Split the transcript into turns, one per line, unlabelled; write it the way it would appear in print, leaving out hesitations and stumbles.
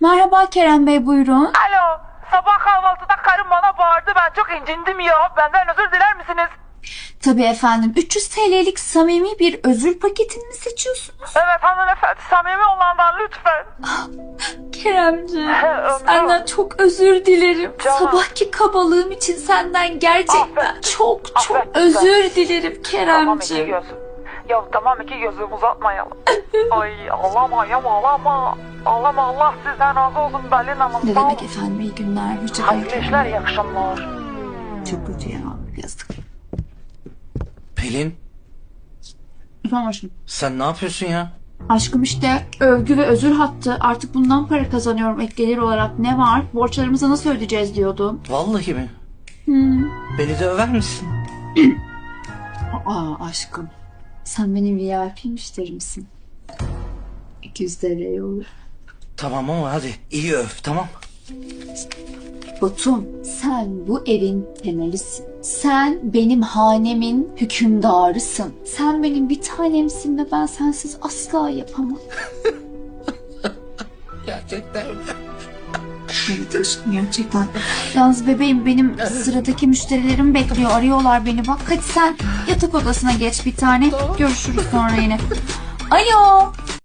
Merhaba Kerem Bey, buyurun.
Alo, sabah kahvaltıda karım bana bağırdı. Ben çok incindim ya. Benden özür diler misiniz?
Tabii efendim. 300 TL'lik samimi bir özür paketini mi seçiyorsunuz?
Evet hanımefendi, samimi olandan lütfen.
Keremciğim,
Ömrüm.
senden çok özür dilerim.
Canım.
Sabahki kabalığım için senden gerçekten
Affettim.
çok
Affettim
özür dilerim
Tamam iki
Keremciğim.
gözüm. Ya tamam iki gözüm uzatmayalım. Ay ağlama ya ağlama. Ağlama, Allah sizden razı olsun Belin Hanım.
Ne
Sağ
demek
olun.
efendim, iyi günler. Hoşçakalın.
Hayırlı işler, iyi akşamlar.
Çok kötü ya, yazık.
Pelin,
Efendim aşkım.
sen ne yapıyorsun ya?
Aşkım işte övgü ve özür hattı. Artık bundan para kazanıyorum ek gelir olarak. Ne var? Borçlarımızı nasıl ödeyeceğiz diyordun.
Vallahi mi? Beni de över misin?
Aa aşkım. Sen benim VIP müşterimsin. 200 TL olur.
Tamam ama hadi iyi öv, tamam.
Batum, sen bu evin temelisin. Sen benim hanemin hükümdarısın. Sen benim bir tanemsin ve ben sensiz asla yapamam.
Gerçekten öyle.
Evet aşkım, gerçekten. Yalnız bebeğim, benim sıradaki müşterilerim bekliyor. Arıyorlar beni bak. Hadi sen yatak odasına geç bir tane. Görüşürüz sonra yine. Alo.